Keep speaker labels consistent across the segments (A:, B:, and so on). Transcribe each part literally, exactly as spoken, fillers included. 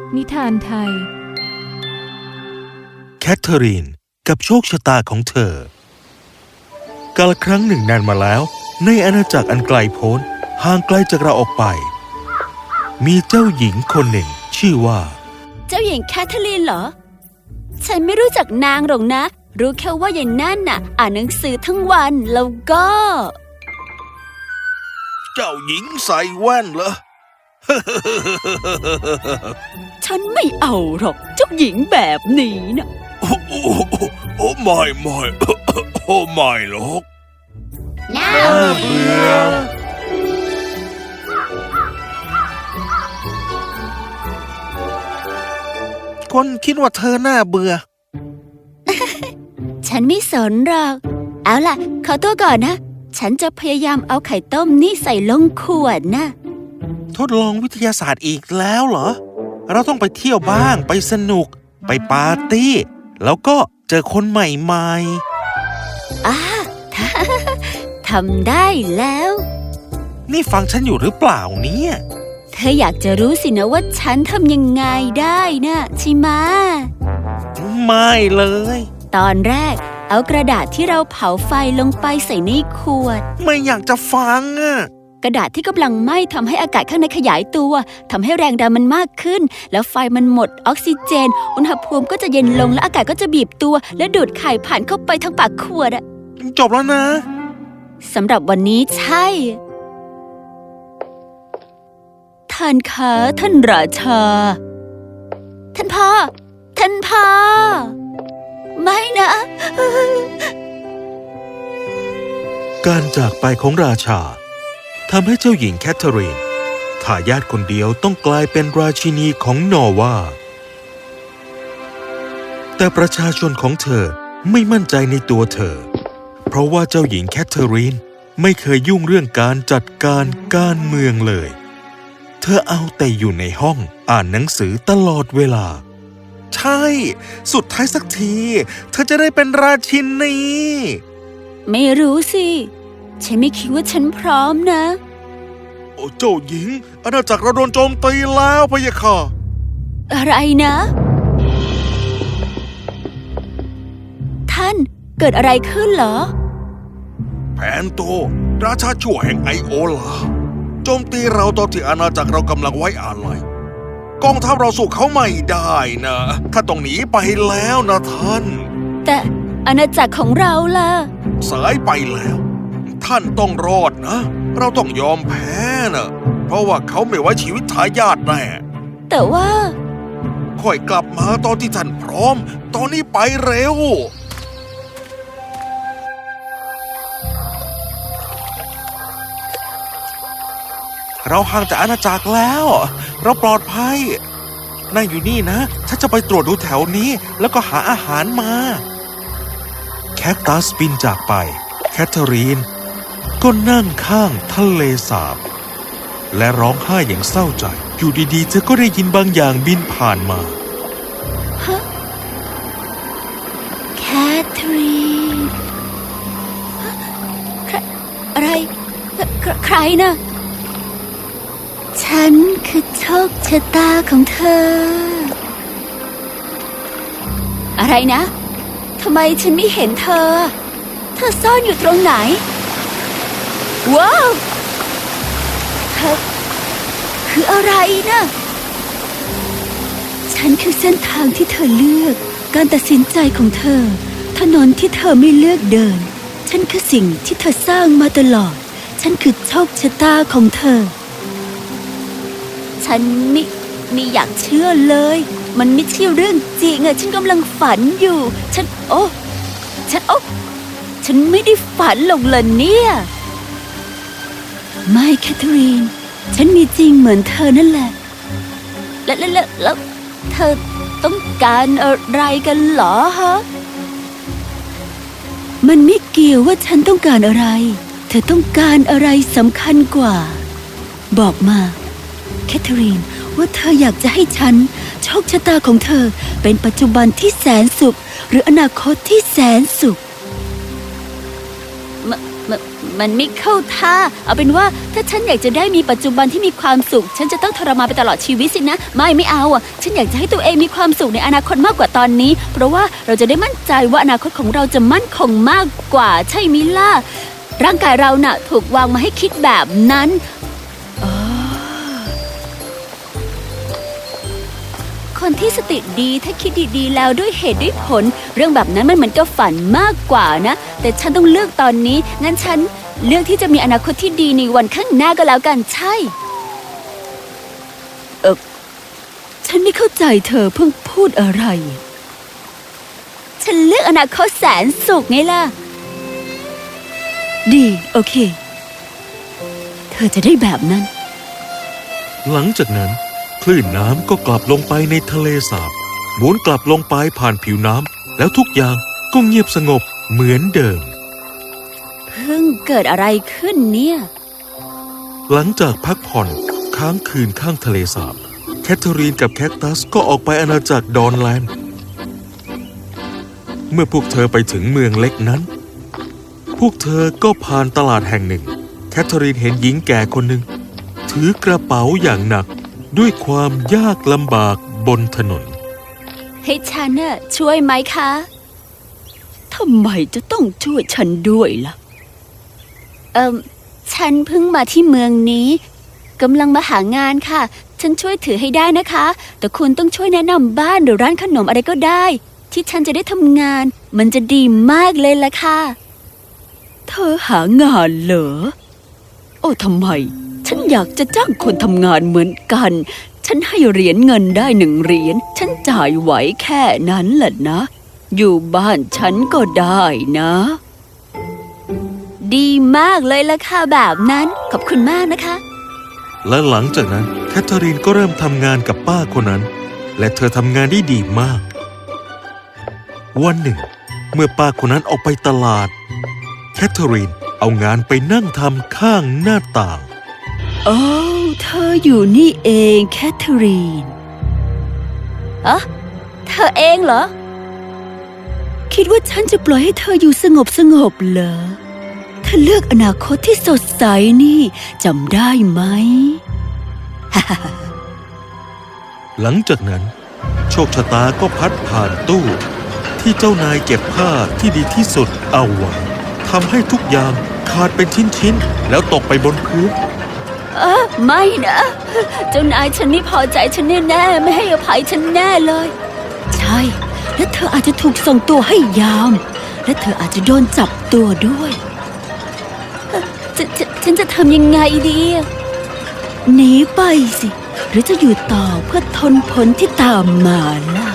A: นิทานไทย
B: แคทเธอรีนกับโชคชะตาของเธอกาลครั้งหนึ่งนานมาแล้วในอาณาจักรอันไกลโพ้นห่างไกลจากเราออกไปมีเจ้าหญิงคนหนึ่งชื่อว่า
C: เจ้าหญิงแคทเธอรีนเหรอฉันไม่รู้จักนางหรอกนะรู้แค่ว่าอย่างนั่นน่ะอ่านหนังสือทั้งวันแล้วก็
B: เจ้าหญิงใส่แว่นเหรอ
C: ฉันไม่เอาหรอกเจ้าหญิงแบบนี้นะ
B: โอ้โอ้โอ้ไม่ไม่โอ้ไม่หรอก
C: น่า
B: เบื่อคนคิดว่าเธอน่าเบื่อ
C: ฉันไม่สนหรอกเอาล่ะขอตัวก่อนนะฉันจะพยายามเอาไข่ต้มนี่ใส่ลงขวดนะ
B: ทดลองวิทยาศาสตร์อีกแล้วเหรอเราต้องไปเที่ยวบ้างไปสนุกไปปาร์ตี้แล้วก็เจอคนใหม่
C: ๆอ่า ทำได้แล้ว
B: นี่ฟังฉันอยู่หรือเปล่าเนี่ย
C: เธออยากจะรู้สินะว่าฉันทำยังไงได้นะใช่ไหม
B: ไม่เลย
C: ตอนแรกเอากระดาษที่เราเผาไฟลงไปใส่ในขวด
B: ไม่อยากจะฟังอะ
C: กระดาษที่กำลังไหม้ทำให้อากาศข้างในขยายตัวทำให้แรงดันมันมากขึ้นแล้วไฟมันหมดออกซิเจนอุณหภูมิก็จะเย็นลงและอากาศก็จะบีบตัวและดูดไข่ผ่านเข้าไปทั้งปากขวดอะ
B: จบแล้วนะ
C: สำหรับวันนี้ใช่ท่านคะท่านราชาท่านพ่อท่านพ่อไม่นะ
B: การจากไปของราชาทำให้เจ้าหญิงแคทเธอรีนทายาทคนเดียวต้องกลายเป็นราชินีของนอร์วาแต่ประชาชนของเธอไม่มั่นใจในตัวเธอเพราะว่าเจ้าหญิงแคทเธอรีนไม่เคยยุ่งเรื่องการจัดการการเมืองเลยเธอเอาแต่อยู่ในห้องอ่านหนังสือตลอดเวลาใช่สุดท้ายสักทีเธอจะได้เป็นราชินี
C: ไม่รู้สิฉันไม่คิดว่าฉันพร้อมนะ
B: โอ้เจ้าหญิงอาณาจักรเราโดนโจมตีแล้วพะยะค่ะ
C: อะไรนะท่านเกิดอะไรขึ้นเหรอ
B: แผนโตราชาชั่วแห่งไอโอลาโจมตีเราตอนที่อาณาจักรเรากำลังไว้อาลัยกองทัพเราสู้เขาไม่ได้นะถ้าต้องหนีไปแล้วนะท่าน
C: แต่อาณาจักรของเราล่ะ
B: สายไปแล้วท่านต้องรอดนะเราต้องยอมแพ้นะเพราะว่าเขาไม่ไว้ชีวิตทายาทแน่
C: แต่ว่า
B: ค่อยกลับมาตอนที่ท่านพร้อมตอนนี้ไปเร็วเราห่างจากอาณาจักรแล้วเราปลอดภัยนั่งอยู่นี่นะฉันจะไปตรวจดูแถวนี้แล้วก็หาอาหารมาแคคตัสบินจากไปแคทเธอรีนก็นั่งข้างทะเลสาบและร้องไห้อย่างเศร้าใจอยู่ดีๆเธอก็ได้ยินบางอย่างบินผ่านมา
C: ฮะแคทเธอรีนอะไรใครนะฉันคือโชคชะตาของเธออะไรนะทำไมฉันไม่เห็นเธอเธอซ่อนอยู่ตรงไหนว้าวเธอคืออะไรนะฉันคือเส้นทางที่เธอเลือกการตัดสินใจของเธอถนนที่เธอไม่เลือกเดินฉันคือสิ่งที่เธอสร้างมาตลอดฉันคือโชคชะตาของเธอฉันไม่ไม่อยากเชื่อเลยมันไม่ใช่เรื่องจริงอะฉันกำลังฝันอยู่ฉันโอ้ฉันโอ้ฉันไม่ได้ฝันหรอกเลยเนี่ยไม่แคทเธอรีนฉันมีจริงเหมือนเธอนั่นแหละแล้วแล้วแล้วเธอต้องการอะไรกันเหรอฮะมันไม่เกี่ยวว่าฉันต้องการอะไรเธอต้องการอะไรสำคัญกว่าบอกมาแคทเธอรีนว่าเธออยากจะให้ฉันโชคชะตาของเธอเป็นปัจจุบันที่แสนสุขหรืออนาคตที่แสนสุขมมันมันไม่เข้าท่าเอาเป็นว่าถ้าฉันอยากจะได้มีปัจจุบันที่มีความสุขฉันจะต้องทรมานไปตลอดชีวิตสินะไม่ไม่เอาอ่ะฉันอยากจะให้ตัวเองมีความสุขในอนาคตมากกว่าตอนนี้เพราะว่าเราจะได้มั่นใจว่าอนาคตของเราจะมั่นคงมากกว่าใช่มิล่ะร่างกายเราน่ะถูกวางมาให้คิดแบบนั้นคนที่สติดีถ้าคิดดีๆแล้วด้วยเหตุด้วยผลเรื่องแบบนั้นมันเหมือนกับฝันมากกว่านะแต่ฉันต้องเลือกตอนนี้งั้นฉันเลือกที่จะมีอนาคตที่ดีในวันข้างหน้าก็แล้วกันใช่เออฉันไม่เข้าใจเธอเพิ่งพูดอะไรฉันเลือกอนาคตแสนสุขไงล่ะดีโอเคเธอจะได้แบบนั้น
B: หลังจากนั้นคลื่นน้ำก็กลับลงไปในทะเลสาบหมุนกลับลงไปผ่านผิวน้ำแล้วทุกอย่างก็เงียบสงบเหมือนเดิม
C: เพิ่งเกิดอะไรขึ้นเนี่ย
B: หลังจากพักผ่อนค้างคืนข้างทะเลสาบแคทเธอรีนกับแคคตัสก็ออกไปอาณาจักรดอนแลนด์เมื่อพวกเธอไปถึงเมืองเล็กนั้นพวกเธอก็ผ่านตลาดแห่งหนึ่งแคทเธอรีนเห็นหญิงแก่คนหนึ่งถือกระเป๋าอย่างหนักด้วยความยากลำบากบนถนน
C: ให้ฉันน่ะช่วยไหมคะทำไมจะต้องช่วยฉันด้วยล่ะเอ่อฉันเพิ่งมาที่เมืองนี้กำลังมาหางานค่ะฉันช่วยถือให้ได้นะคะแต่คุณต้องช่วยแนะนำบ้านหรือร้านขนมอะไรก็ได้ที่ฉันจะได้ทำงานมันจะดีมากเลยล่ะค่ะเธอหางานเหรอโอ้ทำไมฉันอยากจะจ้างคนทำงานเหมือนกันฉันให้เหรียญเงินได้หนึ่งเหรียญฉันจ่ายไหวแค่นั้นแหละนะอยู่บ้านฉันก็ได้นะดีมากเลยล่ะค่ะแบบนั้นขอบคุณมากนะคะ
B: และหลังจากนั้นแคทเธอรีนก็เริ่มทำงานกับป้าคนนั้นและเธอทำงานได้ดีมากวันหนึ่งเมื่อป้าคนนั้นออกไปตลาดแคทเธอรีนเอางานไปนั่งทำข้างหน้าต่าง
C: โอ้เธออยู่นี่เองแคทเธอรีนอะเธอเองเหรอคิดว่าฉันจะปล่อยให้เธออยู่สงบสงบเหรอเธอเลือกอนาคตที่สดใสนี่จำได้ไหม
B: หลังจากนั้นโชคชะตาก็พัดผ่านตู้ที่เจ้านายเก็บผ้าที่ดีที่สุดเอาไว้ทำให้ทุกอย่างขาดเป็นชิ้นๆแล้วตกไปบนพื้น
C: เออไม่นะเจ้านายฉันไม่พอใจฉันแน่ๆไม่ให้อภัยฉันแน่เลยใช่และเธออาจจะถูกส่งตัวให้ยามและเธออาจจะโดนจับตัวด้วยฉฉฉันจะทำยังไงดีหนีไปสิหรือจะอยู่ต่อเพื่อทนผลที่ตามมาล่ะ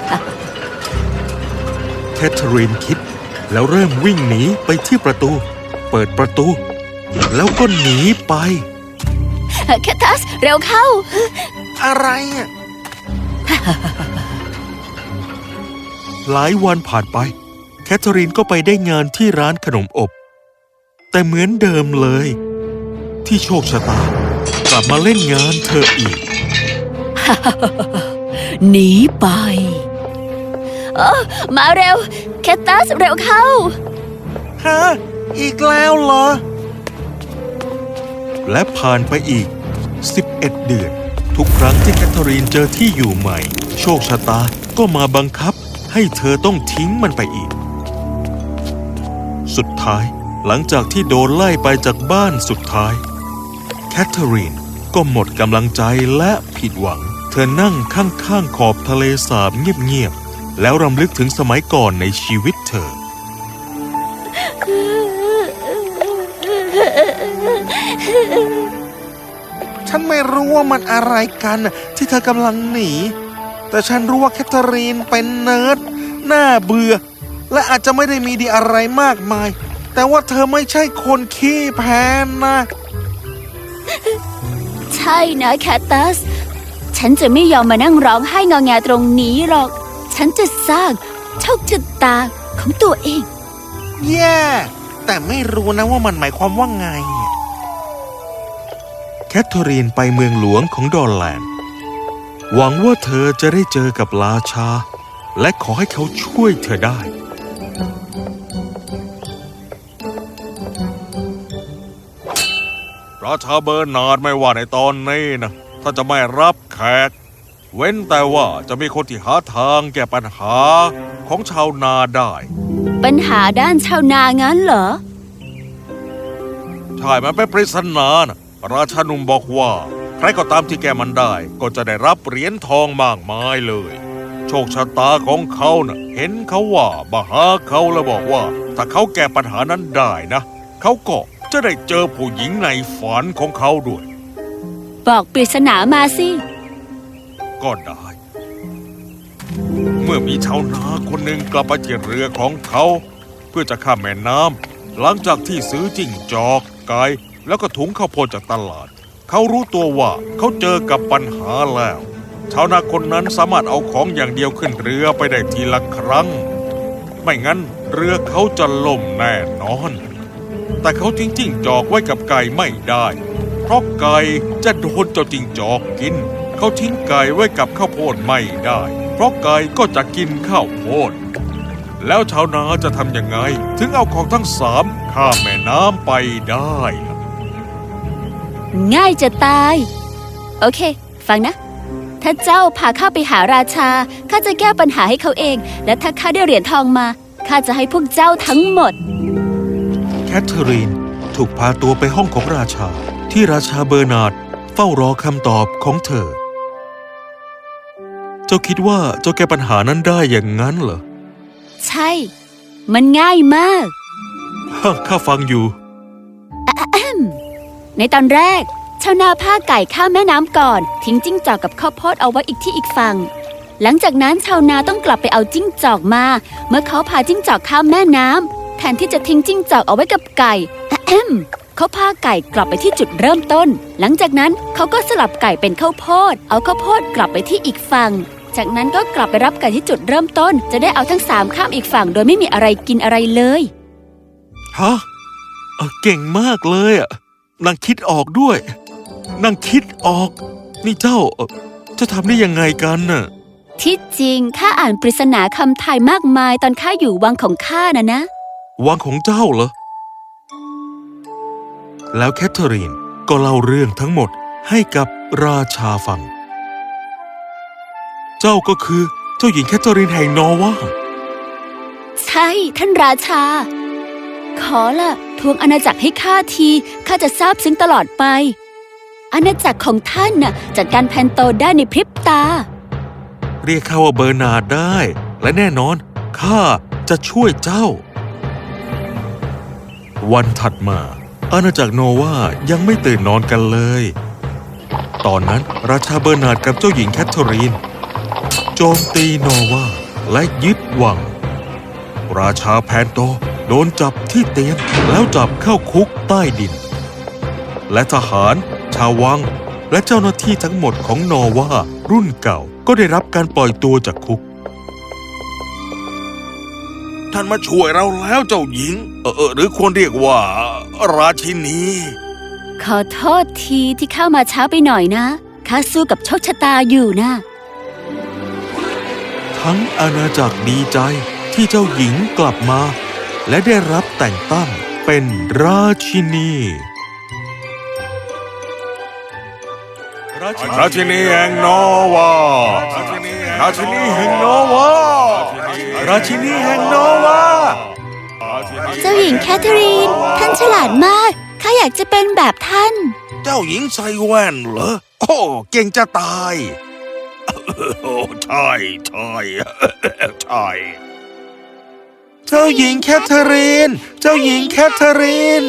B: แคทเธอรีนคิดแล้วเริ่มวิ่งหนีไปที่ประตูเปิดประตูแล้วก็หนีไป
C: แคทตัสเร็วเข้า
B: อะไรอ่ะ หลายวันผ่านไปแคทเธอรีนก็ไปได้งานที่ร้านขนมอบแต่เหมือนเดิมเลยที่โชคชะตากลับมาเล่นงานเธออีก
C: หนีไปเออมาเร็วแคทตัสเร็วเข้า
B: ฮะอีกแล้วเหรอและผ่านไปอีกสิบเอ็ดเดือนทุกครั้งที่แคทเธอรีนเจอที่อยู่ใหม่โชคชะตาก็มาบังคับให้เธอต้องทิ้งมันไปอีกสุดท้ายหลังจากที่โดนไล่ไปจากบ้านสุดท้ายแคทเธอรีนก็หมดกำลังใจและผิดหวังเธอนั่งข้างๆขอบทะเลสาบเงียบๆแล้วรำลึกถึงสมัยก่อนในชีวิตเธอฉันไม่รู้ว่ามันอะไรกันที่เธอกำลังหนีแต่ฉันรู้ว่าแคทเธอรีนเป็นเนิร์ดน่าเบื่อและอาจจะไม่ได้มีดีอะไรมากมายแต่ว่าเธอไม่ใช่คนขี้แพ้นะ
C: ใช่นะแคทตัสฉันจะไม่ยอมมานั่งร้องไห้งอแงตรงนี้หรอกฉันจะสร้างโชคชะตาของตัวเอง
B: แย่แต่ไม่รู้นะว่ามันหมายความว่าไงแคทเธอรีนไปเมืองหลวงของดอนแลนด์หวังว่าเธอจะได้เจอกับราชาและขอให้เขาช่วยเธอได้ราชาเบอร์นาร์ดไม่ว่าในตอนนี้นะถ้าจะไม่รับแขกเว้นแต่ว่าจะมีคนที่หาทางแก้ปัญหาของชาวนาได้
C: ปัญหาด้านชาวนางั้นเหรอ
B: ใช่มันเป็นปริศนานะราชาหนุ่มบอกว่าใครก็ตามที่แก้มันได้ก็จะได้รับเหรียญทองมากมายเลยโชคชะตาของเขานะ่ะเห็นเขาว่ามาหาเขาแล้วบอกว่าถ้าเขาแก้ปัญหานั้นได้นะเขาก็จะได้เจอผู้หญิงในฝันของเขาด้วย
C: บอกปริศนามาสิ
B: ก็ได้ เมื่อมีชาวนาคนหนึ่งกลับไปที่เรือของเขาเพื่อจะข้ามแม่น้ำหลังจากที่ซื้อจิ้งจอกไก่แล้วก็ถุงข้าวโพดจากตลาดเขารู้ตัวว่าเขาเจอกับปัญหาแล้วชาวนาคนนั้นสามารถเอาของอย่างเดียวขึ้นเรือไปได้ทีละครั้งไม่งั้นเรือเขาจะล่มแน่นอนแต่เขาทิ้งจิ้งจอกไว้กับไก่ไม่ได้เพราะไก่จะโดนเจ้าจิ้งจอกกินเขาทิ้งไก่ไว้กับข้าวโพดไม่ได้เพราะไก่ก็จะกินข้าวโพดแล้วชาวนาจะทำยังไงถึงเอาของทั้งสามข้ามแม่น้ำไปได้ล่ะ
C: ง่ายจะตาย โอเค ฟังนะ ถ้าเจ้าพาข้าไปหาราชาข้าจะแก้ปัญหาให้เขาเอง และถ้าข้าได้เหรียญทองมาข้าจะให้พวกเจ้าทั้งหมด
B: แคทเธอรีนถูกพาตัวไปห้องของราชาที่ราชาเบอร์นาร์ดเฝ้ารอคำตอบของเธอ เจ้าคิดว่าเจ้าแก้ปัญหานั้นได้อย่างนั้นเหรอ
C: ใช่ มันง่ายมาก
B: ข้าฟังอยู่
C: ในตอนแรกชาวนาพาไก่ข้ามแม่น้ำก่อนทิ้งจิ้งจอกกับข้าวโพดเอาไว้อีกที่อีกฝั่งหลังจากนั้นชาวนาต้องกลับไปเอาจิ้งจอกมาเมื่อเขาพาจิ้งจอกข้ามแม่น้ำแทนที่จะทิ้งจิ้งจอกเอาไว้กับไก่เขาพาไก่กลับไปที่จุดเริ่มต้นหลังจากนั้นเขาก็สลับไก่เป็นข้าวโพดเอาข้าวโพดกลับไปที่อีกฝั่งจากนั้นก็กลับไปรับไก่ที่จุดเริ่มต้นจะได้เอาทั้งสามข้ามอีกฝั่งโดยไม่มีอะไรกินอะไรเลย
B: ฮะเก่งมากเลยอ่ะนางคิดออกด้วยนางคิดออกนี่เจ้าจะทำได้ยังไงกันน่ะ
C: ที่จริงข้าอ่านปริศนาคำทายมากมายตอนข้าอยู่วังของข้านะนะ
B: วังของเจ้าเหรอแล้วแคทเธอรีนก็เล่าเรื่องทั้งหมดให้กับราชาฟังเจ้าก็คือเจ้าหญิงแคทเธอรีนแห่งนอร์วา
C: ใช่ท่านราชาขอละทวงอาณาจักรให้ข้าทีข้าจะซาบซึ้งตลอดไปอาณาจักรของท่านน่ะจัดการแพนโตได้ในพริบตา
B: เรียกข้าว่าเบอร์นาร์ดได้และแน่นอนข้าจะช่วยเจ้าวันถัดมาอาณาจักรโนวายังไม่ตื่นนอนกันเลยตอนนั้นราชาเบอร์นาร์ดกับเจ้าหญิงแคทเธอรีนโจมตีโนวาและยึดวังราชาแพนโตโดนจับที่เตียงแล้วจับเข้าคุกใต้ดินและทหารชาววังและเจ้าหน้าที่ทั้งหมดของนอร์วารุ่นเก่าก็ได้รับการปล่อยตัวจากคุกท่านมาช่วยเราแล้วเจ้าหญิงเออหรือควรเรียกว่าราชินี
C: ขอโทษทีที่เข้ามาช้าไปหน่อยนะข้าสู้กับโชคชะตาอยู่นะ
B: ทั้งอาณาจักรดีใจที่เจ้าหญิงกลับมาและได้รับแต่งตั้งเป็นราชินีราชินีแห่งนอร์วาราชินีแห่งนอร์วาราชินีแห่งนอร์วา
C: เจ้าหญิงแคทเธอรีนท่านฉลาดมากข้าอยากจะเป็นแบบท่าน
B: เจ้าหญิงใส่แว่นเหรอโอ้เก่งจะตายโอ้ใช่ใช่ใช่เจ้าหญิงแคทเธอรีนเจ้าหญิงแคทเธอรีน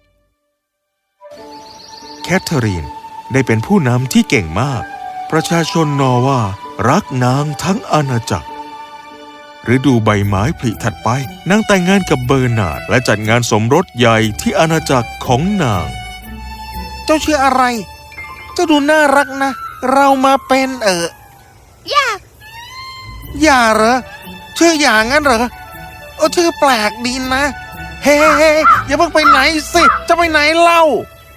B: แคทเธอรีนได้เป็นผู้นำที่เก่งมากประชาชนนอร์วารักนางทั้งอาณาจักรฤดูใบไม้ผลิถัดไปนางแต่งงานกับเบอร์นาร์ดและจัดงานสมรสใหญ่ที่อาณาจักรของนางเจ้าชื่ออะไรเจ้าดูน่ารักนะเรามาเป็นเออย่าย่าเหรอชื่ออย่างงั้นเหรอโอ้ชื่อแปลกดีนะเฮ้อย่าเพิ่งไปไหนสิจะไปไหนเล่า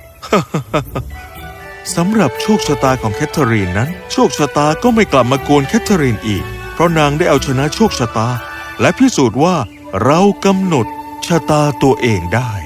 B: สำหรับโชคชะตาของแคทเธอรีนนั้นโชคชะตาก็ไม่กลับมากวนแคทเธอรีนอีกเพราะนางได้เอาชนะโชคชะตาและพิสูจน์ว่าเรากำหนดชะตาตัวเองได้